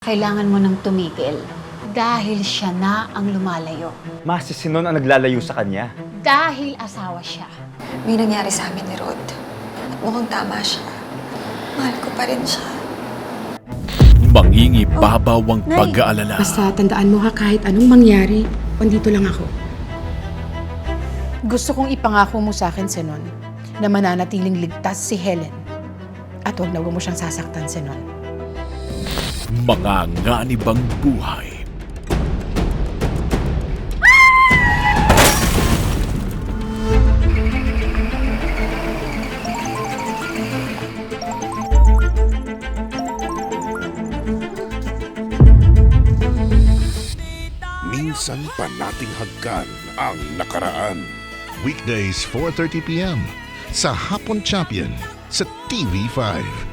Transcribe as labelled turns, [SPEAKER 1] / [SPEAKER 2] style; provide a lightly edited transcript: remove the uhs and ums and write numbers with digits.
[SPEAKER 1] Kailangan mo nang tumigil dahil siya na ang lumalayo.
[SPEAKER 2] Ma, si Sinon ang naglalayo sa kanya.
[SPEAKER 1] Dahil asawa siya.
[SPEAKER 3] May nangyari sa amin ni Rod. At mukhang tama siya. Mahal ko pa rin siya.
[SPEAKER 4] Mangingibabaw ang pag-aalala.
[SPEAKER 5] Basta tandaan mo ha, kahit anong mangyari, andito lang ako.
[SPEAKER 6] Gusto kong ipangako mo sa akin, Sinon, na mananatiling ligtas si Helen. At huwag na huwag mo siyang sasaktan, Sinon.
[SPEAKER 4] Mga nganibang buhay.
[SPEAKER 7] Minsan pa nating hagkan ang nakaraan.
[SPEAKER 8] Weekdays 4:30 p.m. sa Hapon Champion sa TV5.